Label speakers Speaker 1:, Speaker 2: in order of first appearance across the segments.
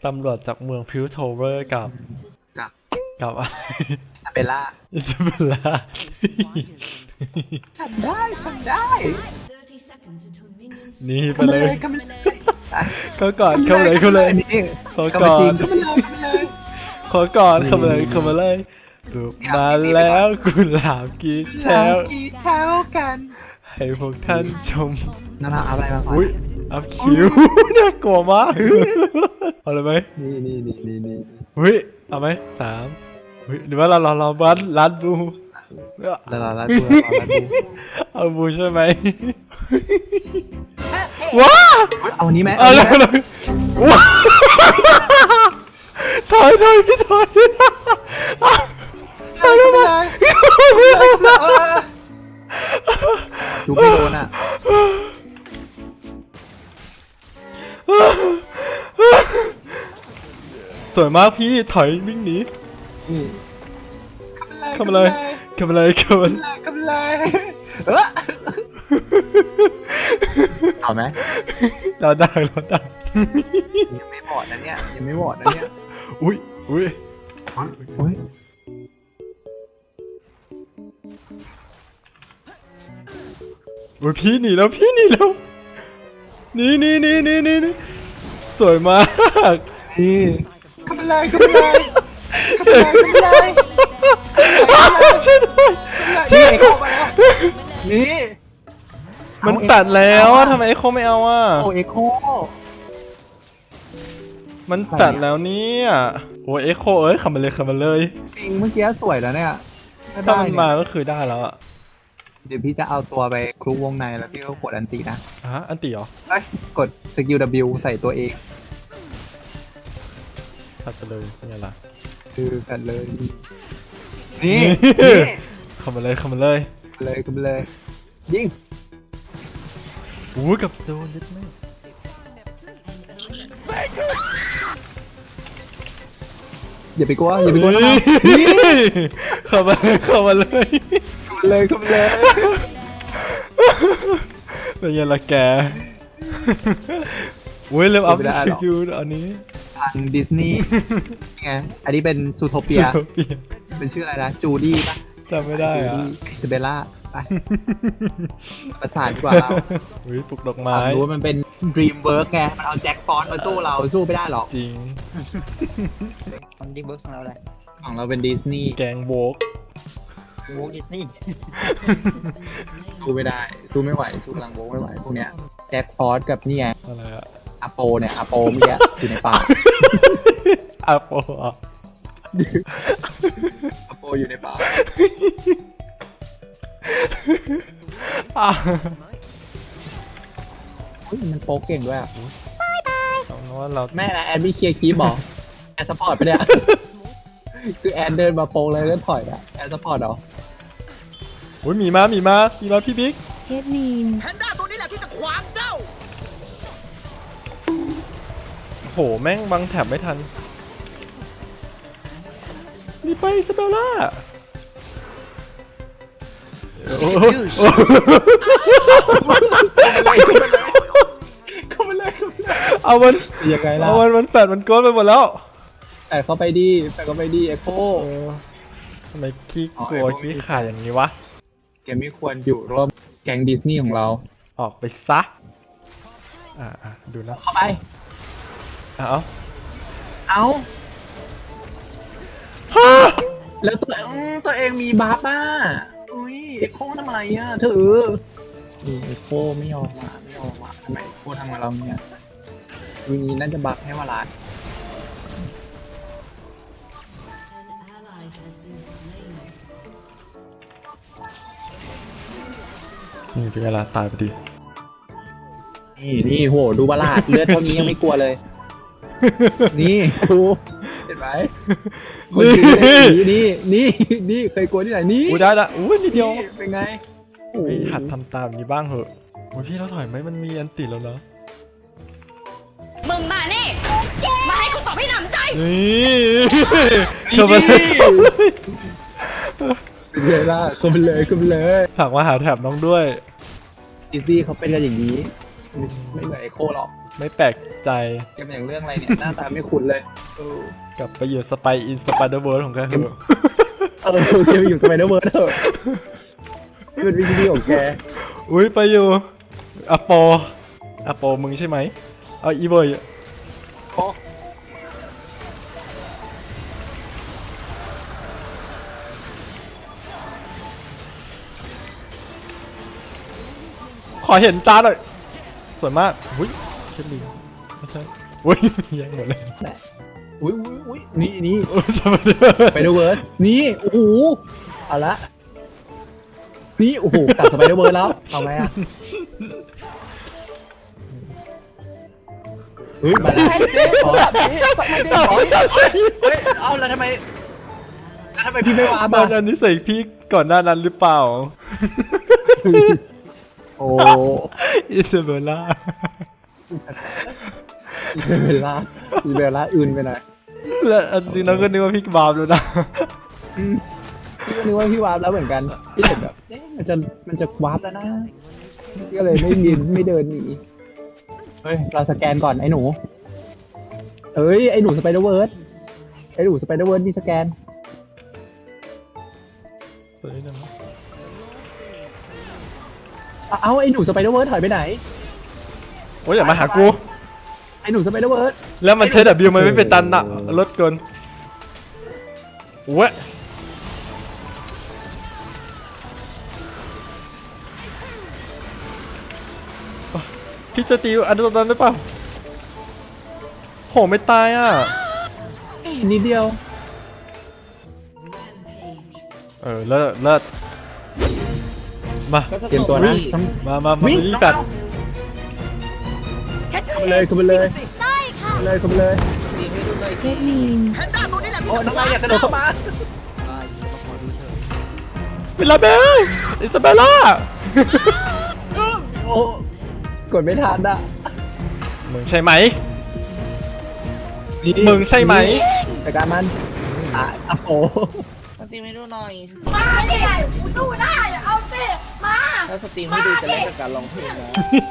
Speaker 1: ตำรวจจากเมืองพิวโทเวอร์กับ
Speaker 2: กับ
Speaker 1: กับอะไร
Speaker 2: ซาเบลล่า
Speaker 1: อิซาเบลล่า
Speaker 2: ฉันได้
Speaker 1: นี่ไป
Speaker 2: เข้ามา
Speaker 1: เล
Speaker 2: เลย ยเข้ามาเลย
Speaker 1: เขาก่อนเข้าเลยเข้าเลย
Speaker 2: นี่
Speaker 1: เขา
Speaker 2: เข้า
Speaker 1: ก่
Speaker 2: มา
Speaker 1: อ
Speaker 2: จริง
Speaker 1: น
Speaker 2: เข้ามาเลย
Speaker 1: ขอก่อนเข้ามาเลยเข้ามาเลยบุกมาแล้วกุหลาบกีแถว
Speaker 2: กี่เท้ากัน
Speaker 1: ให้พวกท่านชม
Speaker 2: นั่นเราเอาอะไรมาก่อน
Speaker 1: อุ้ยอัพคิว น่ากลัวมากเอาเลยไหม
Speaker 2: นี่
Speaker 1: อุ้ยเอาไหม3อุ้ยหรือว่าเราบัสลัดบู
Speaker 2: แล้วดู
Speaker 1: เอาบูใช่ไหมว้า
Speaker 2: เอาอันนี้ไหม
Speaker 1: เอาเลยว้าถอยพี่ถอย
Speaker 2: เอาเลยจูไม่โดนอ่ะ
Speaker 1: สวยมากพี่ถอยวิ่งหนี
Speaker 2: นี่
Speaker 1: เข้ามาเลยเข้ามาเลยเข้ามาเลย
Speaker 2: กำไรเอาไหม
Speaker 1: เราได้
Speaker 2: ยังไม่บอดนะเนี่ยยังไม่บอดนะเนี่ย
Speaker 1: อุ้ย
Speaker 2: โอ้ย
Speaker 1: โอ้ยพี่หนีแล้วนี่สวยมาก
Speaker 2: นี่กำไร
Speaker 1: ช่วยด้วย
Speaker 2: นี่เข้ามาแล้วนี่
Speaker 1: มันตัดแล้วทำไมเอ็กโคไม่เอาอ่ะ
Speaker 2: โอเอ็กโค
Speaker 1: มันตัดแล้วเนี่ยโอ้ยเอ็กโคขับมาเลย
Speaker 2: จริงเมื่อกี้สวยแล้วเนี่ย
Speaker 1: ถ้ามันมาก็คือได้แล้วอ่ะ
Speaker 2: เดี๋ยวพี่จะเอาตัวไปคลุกวงในแล้วพี่ก็กดอันตีนะ
Speaker 1: อันตีเหรอ
Speaker 2: กดสกิล W ใส่ตัวเอง
Speaker 1: ตัดไปเลยเป็นไงล่ะ
Speaker 2: คือกันเลยนี่
Speaker 1: เข้ามาเลย
Speaker 2: เลยยิง
Speaker 1: อู้กับโดนนิดไม่
Speaker 2: อย่าไปกลัวนะ
Speaker 1: เข้ามาเลย
Speaker 2: เลย
Speaker 1: เป็นไงล่ะแกอุ้ยเริ่มอัพสกิลอันนี้
Speaker 2: ทางดิสนีย์ไงอันนี้เป็นซูโทเปีย เป็นชื่ออะไรนะจูดี้ป่ะ
Speaker 1: จำไม่ได้
Speaker 2: จู
Speaker 1: อ่ะ
Speaker 2: ดี้อิซาเบลล่าไปประสานดีกว่าเรา
Speaker 1: อุ้ยปลุกดอกไม้
Speaker 2: รู้ว่ามันเป็นดรีมเวิร์กไงมันเอาแจ็คฟอนต์มาสู้เราสู้ไม่ได้หรอก
Speaker 1: จริง
Speaker 3: มันดีเบิร์กของเราเลย
Speaker 2: ของเราเป็นดิสนีย์
Speaker 1: แกงโวก
Speaker 3: วงดิสนีย์
Speaker 2: สู้ไม่ได้สู้ไม่ไหวสู้พลังโวกไม่ไหวพวกเนี้ยแจ็คฟอสกับนี่ไง
Speaker 1: อะไรอะ
Speaker 2: อาโปเมื่อกี้อยู่ในป่า
Speaker 1: อาโปอ่ะ
Speaker 2: อาโปอยู่ในป่า มันโป๊กเก่งด้วยอ่ะ
Speaker 1: เอาเนว่าเรา
Speaker 2: แม่นะแอนไม่เคลียร์คีย์บอกแอนซัพพอร์ตไปเนี่ย คือแอนเดินมาโป๊กเลยแล้วถอยอ่ะแอนซัพพอร์ตเหรอ
Speaker 1: อุ้ยมีมาพี่บิ๊ก
Speaker 4: เฮดมีน
Speaker 3: แพนด้าตัวนี้แหละที่จะขวางเจ้า
Speaker 1: โหแม่งบังแถบไม่ทันนี่ไปสเปลล่า
Speaker 2: เข้ามาเลย
Speaker 1: เอามัน
Speaker 2: ยังไงล่ะ
Speaker 1: เอามันแปดมันโกนไปหมดแล้ว
Speaker 2: แต่เข้าไปดีเอ็กโค
Speaker 1: ทำไมขี้กลัวขี้ขาดอย่างนี้วะ
Speaker 2: แกไม่ควรอยู่ร่วมแก๊งดิสนีย์ของเรา
Speaker 1: ออกไปซะดูนะ
Speaker 2: เข้าไป
Speaker 1: เอา
Speaker 2: เอาแล้วตัวเองมีบัฟอ่ะอุ้ยเอ็กโคทำอะไรอ่ะเธอเอ็กโคไม่ยอมอ่ะทำไมเอ็กโคทำกับเราเนี่ยวีนี้น่าจะบัฟให้วาลาด
Speaker 1: นี่เป็นเวลาตายพอดี
Speaker 2: นี่โหดูวาลาดเลือดเท่านี้ยังไม่กลัวเลย นี่ดูเห็นไหมคนนี่เคยกลัวที่ไหนนี่
Speaker 1: อุ้ยได้ละอุ้ยนิดเดียว
Speaker 2: เป็นไง
Speaker 1: ไม่หัดทำตามแบบนี้บ้างเหอะโอ้ยพี่เราถอยไหมมันมีอันติแล้วเนาะ
Speaker 4: มึงมานี่ มาให้กูตอบให้หนำใจ
Speaker 1: นี่เข้ามาเลย
Speaker 2: เป็นไงล่ะเข้าไปเลย
Speaker 1: ฝากมาหาแถบน้องด้วย
Speaker 2: ดิซี่เขาเป็นกันอย่างนี้ไม่เหมือนไอโคหรอก
Speaker 1: ไม่แปลกใจ
Speaker 2: เกมอย่างเรื่องอะไรเนี่ยหน้าตาไม่คุ้นเลยเออก
Speaker 1: ลับไปอยู่สไปอินสไปเดอร์เวิร์ของแกเถอะ
Speaker 2: เกมอยู่สไปเดอร์เวิร์ดเถอะนี่เป็นวิธีของแก
Speaker 1: อุ้ยไปอยู่อโปมึงใช่ไหมเอาอีโบย
Speaker 2: โอ้
Speaker 1: ขอเห็นจานหน่อยสวยมากอุ้ยเชลลีไม่ใช่อุ้ยแยังหมดเลย
Speaker 2: อุ้ยนี่
Speaker 1: โอ้ยสไปเดอร์
Speaker 2: สไปเดอร์เวิร์ดนี่โอ้โหเอาละนี่โอ้โหกลับสไปเดอร์เวิร์ดแล้วเอาไงอะเฮ้ยมาแล้วอ๋อเฮ้ยเอาแล้วทำไมพี่ไม่ว้า
Speaker 1: ต
Speaker 2: บ้า
Speaker 1: อนนั้นนี่ใส่พี่ก่อนหน้านั้นหรือเปล่า
Speaker 2: โอ้
Speaker 1: อิซาเบลล่า
Speaker 2: อีเบลล่าอื่นไปหน่อย
Speaker 1: แล้วอันจริงเราก็นึกว่าพี่บาปแล้วนะ
Speaker 2: พี่ก็นึกว่าพี่วาร์ปแล้วเหมือนกันพี่เห็นแบบเอ๊ะมันจะวาร์ปแล้วนะก็เลยไม่เดินหนีเฮ้ยเราสแกนก่อนไอ้หนูเอ้ยไอ้หนูสไปเดอร์เวิร์ดมีสแกน
Speaker 1: สวยจัง
Speaker 2: เอาไอ้หนูสไปเดอร์เวิร์ดถอยไปไหน
Speaker 1: โอ้ยอย่ามาหากู
Speaker 2: ไอ้หนูสไปเดอร์เวิร์ด
Speaker 1: แล้วมันใช้ดับบิวมันไม่เป็นตันอะลดเกินเว้ยพี่จะตีอันนั้นได้เปล่าโหไม่ตายอ่ะ
Speaker 2: นิดเดียว
Speaker 1: เลิศมา
Speaker 2: เตรียมตัวนะต้อง
Speaker 1: มารีบกัด
Speaker 2: เข้าไปเลยเข้าไปเลย
Speaker 4: ได้ค่ะ
Speaker 2: เข้าไปเลย
Speaker 3: ตีให้ดูเลย
Speaker 4: เจลีน
Speaker 3: แพนด้าตัวนี้แหละที่
Speaker 2: โอ้
Speaker 3: จะ
Speaker 2: น้องนายอยากกระโดดเข้ามา
Speaker 3: ขอดูเชิญ
Speaker 1: เวลาเบลอิซาเบลล่า
Speaker 2: โอ้กดไม่ทันอ่ะ
Speaker 1: มึงใช่ไหม มึงใช่ไหม
Speaker 2: แต่การมันโอ้โห
Speaker 3: สตรีมให้ดูหน่อย
Speaker 4: มาดิกูดูได้เอาสิมา
Speaker 3: ถ้าสตรีมให้ดูจะเล่นกับการร้องเพลงนะ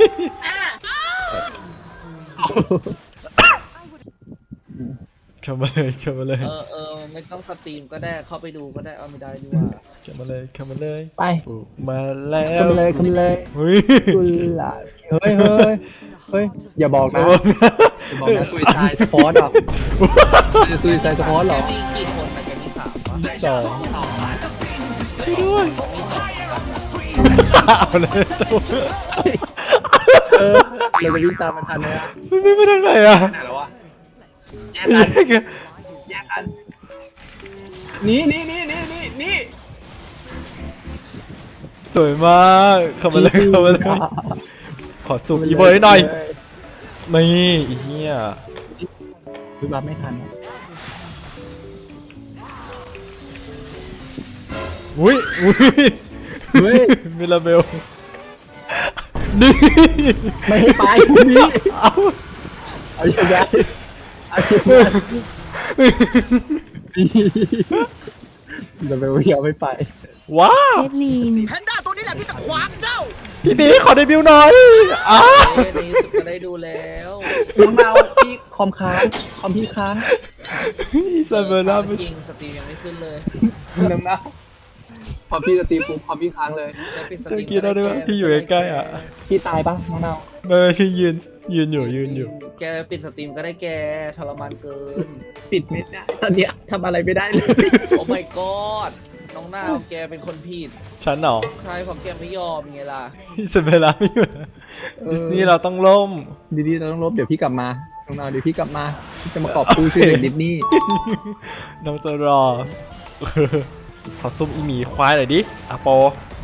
Speaker 1: เข้ามาเลย
Speaker 3: ไม่ต้องสตรีมก็ได้เข้าไปดูก็ได้เอาไม่ได้ดีกว่า
Speaker 1: เข้ามาเลย
Speaker 2: ไป
Speaker 1: มาแล้
Speaker 2: เข้าว มาเลย
Speaker 1: เฮ้ย
Speaker 2: กุหลาบเฮ้ยอย่าบอกนะซุยไซสปอร์ตหรอจะซุยไซสปอร์ตหรอ
Speaker 3: มีกี่คนแต่แกมี3วะ
Speaker 1: สอง
Speaker 3: มี2กันนะ
Speaker 1: เอาเลย
Speaker 2: เราจะวิ่งตามมันทันไหมอ่ะ
Speaker 1: ไม่ไปทางไหนอ่ะ
Speaker 2: ไหนแล้ววะแยกกันนี่
Speaker 1: สวยมากเข้ามาเลยขอสูบอีโบยหน่อยนี่อีเหี้ย
Speaker 2: คือรับไม่ทัน
Speaker 1: อุ้ย
Speaker 2: เฮ้ย
Speaker 1: มิลาเบลนี่
Speaker 2: ไม่ให้ไปนี่
Speaker 1: เอา
Speaker 2: เอาอย่างไรจะไปเหี่ยวไม่ไป
Speaker 1: ว้าว
Speaker 4: เจลีน
Speaker 3: แพนด้าตัวนี้แหละที่จะขวางเจ้า
Speaker 1: พี่บีขอเดบิวต์หน่อยอ้า
Speaker 3: ในที่สุดก็ได้ดูแล้ว
Speaker 2: น้องดาวพี่คอมค้างคอมพี่ค้าง
Speaker 1: อิซาเบลล่า
Speaker 3: จริงสตรีมยังไม่ขึ้นเลย
Speaker 2: น้องดาวพอพี่จะตีปุ๊บคอมพี่ค้างเลย
Speaker 3: จะปิดสต
Speaker 1: เมื่
Speaker 3: รี
Speaker 1: อ
Speaker 3: ม
Speaker 1: กี้เราด้วยพี่อยู่ใกล้ๆอ่ะ
Speaker 2: พี่ตายปะน้องดาว
Speaker 1: พี่ยืนอยู่
Speaker 3: แกปิดสตรีมก็ได้แกทรมานเกิน
Speaker 2: ปิดไม่ได้ตอนเนี้ยทำอะไรไม่ได้เลย
Speaker 3: โอ้ my god น้องนาวแกเป็นคนผิด
Speaker 1: ฉันเหรอ
Speaker 3: ใช่เพราะแกไม่ยอมไงล่ะ
Speaker 1: อิซาเบลล่าไม่อยู่ดิสนีย์เราต้องล่ม
Speaker 2: ดีๆเราต้องลบเดี๋ยวพี่กลับมาน้องดาวเดี๋ยวพี่กลับมาพี่จะมากอบกู้ชื่อเด็กดิสนีย์
Speaker 1: น้องจะรอขอซุ่มอีหมีควายหน่อยดิอะโป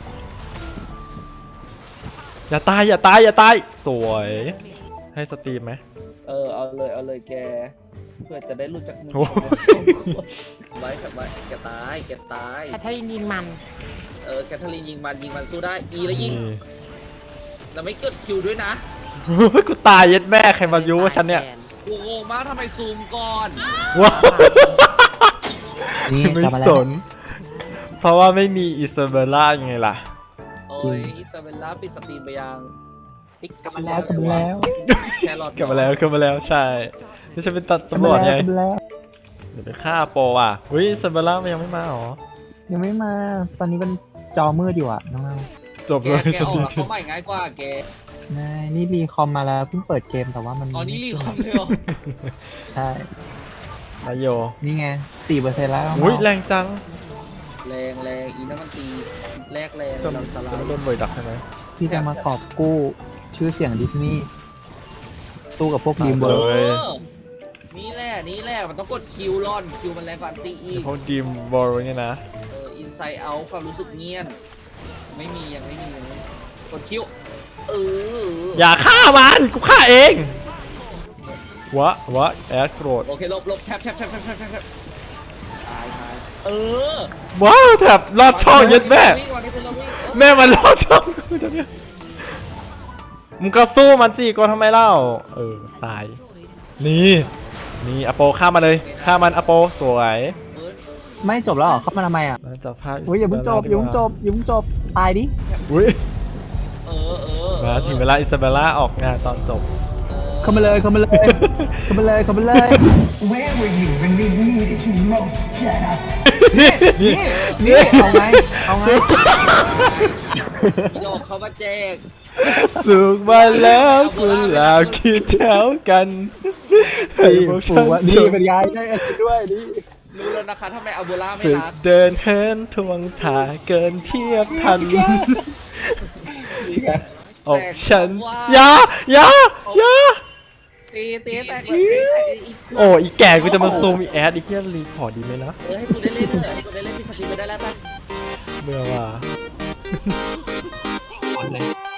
Speaker 1: อย่าตายสวยให้สตรีมไหม
Speaker 3: เอาเลยแกเพื่อจะได้รู้จักมึง
Speaker 1: โอ้
Speaker 3: ไว้แกตาย
Speaker 4: แคทเธอรีนยิงมัน
Speaker 3: แคทเธอรีนยิงมันสู้ได้อีแล้วยิงแล้วไม่เกิดคิวด้วยนะ
Speaker 1: กูตายเย็ดแม่ใครมายุว่าฉันเนี่ย
Speaker 3: กูงงมากทำไมซูมก่อน
Speaker 1: ว้าว
Speaker 2: นี่
Speaker 1: ไม่
Speaker 2: กลับมาแล้
Speaker 1: ส
Speaker 2: วน
Speaker 1: เพราะว่าไม่มีอิซาเบลล่ายังไงล่ะ
Speaker 3: โอ้ยอิซาเบลล่าปิดสตรีมไปยัง
Speaker 2: กลับมาแล้วกลับมาแล้ว
Speaker 3: แครอท
Speaker 1: กลับมาแล้วใช่ไม่ใช่เป็นตำรวจไง
Speaker 2: กลับมาแล้ว
Speaker 1: เดี๋ยวไปฆ่าโปรอ่ะเฮ้ยซาเบล่ามันยังไม่มาหรอ
Speaker 2: ยังไม่มาตอนนี้มันจอมืดอยู่อ่ะน้อง
Speaker 1: จบ
Speaker 3: แก
Speaker 1: เลย
Speaker 3: แกออกแล้วเขาใหม่ง่ายกว่าแก
Speaker 2: ๆนายนี่รีคอมมาแล้วเพิ่งเปิดเกมแต่ว่ามัน
Speaker 3: อ๋อนี่รีคอมเลยเหรอ
Speaker 2: ใช่
Speaker 1: นายโย
Speaker 2: นี่ไง 4%แล้ว
Speaker 1: อุ้ยแรงจัง
Speaker 3: แรงอีนั่นมันตีแรกแรง
Speaker 1: จะ
Speaker 3: เราสลา
Speaker 1: ไม่
Speaker 3: ย
Speaker 1: โดนบ่อยดักใช่ไหม
Speaker 2: ที่จะมากอบกู้ชื่อเสียงดิสนีย์สู้กับพวกดีมเวิ
Speaker 1: เล
Speaker 2: ร์
Speaker 1: ย
Speaker 3: นี่แหละมันต้องกดคิวร่อนคิวมันแรงกว่าอันตีอีก
Speaker 1: พวกดีมบอลเนี่ยนะ
Speaker 3: อินไซด์เอาความรู้สึกเงียนไม่มียังไม่มีกดคิว
Speaker 1: อย่าฆ่ามันกูฆ่าเองวะแอดโกรธ
Speaker 3: โอเคลบแทบตาย
Speaker 1: ว้าวแถบลอดช่องเย็ดแม่
Speaker 3: วิ่งวันนี้เป็นเราวิ่ง
Speaker 1: แม่มันลอดช่องกูจะเนี่ยมึงก็สู้มันสิก็ทำไมเล่าตายนี่อโปฆ่ามันเลยฆ่ามันอโปสวย
Speaker 2: ไม่จบแล้วเหรอเข้ามาทำไมอ่ะ
Speaker 1: แล้วจับภาพ
Speaker 2: อุ้ยอย่าเพิ่งจบตายดิ
Speaker 1: อุ้ย
Speaker 3: เออ
Speaker 1: มาถึงเวลาอิซาเบลล่าออกงานตอนจบ
Speaker 2: เข้ามาเลย
Speaker 5: Where were you when we needed you most, Jenna?
Speaker 2: นี่เอาไง
Speaker 3: โยกเขามาแจก
Speaker 1: สุกมาแล้วคุณลาวคิดแถวกันให้พวกฉัน
Speaker 2: นี่เป็นยายใช่ไอ้ด้วยนี่
Speaker 3: รู้แล้วนะคะทำไมอัลโบล่าไม่
Speaker 1: ฝึก
Speaker 3: รัก
Speaker 1: เดินเฮินทวงถาเกินเทียบทันอกฉันอย่า
Speaker 3: ตีแต่
Speaker 1: โอ้อีแก่กูจะมาซูมอีแอดอีเทียนรีพอร์ตดีไหมนะ
Speaker 3: ให้กูได้เล่นเถอะให้กูได้เล่นพี่สกิลไปได้แล้วป่ะ
Speaker 1: เบื่อว่ะ
Speaker 2: หมดเลย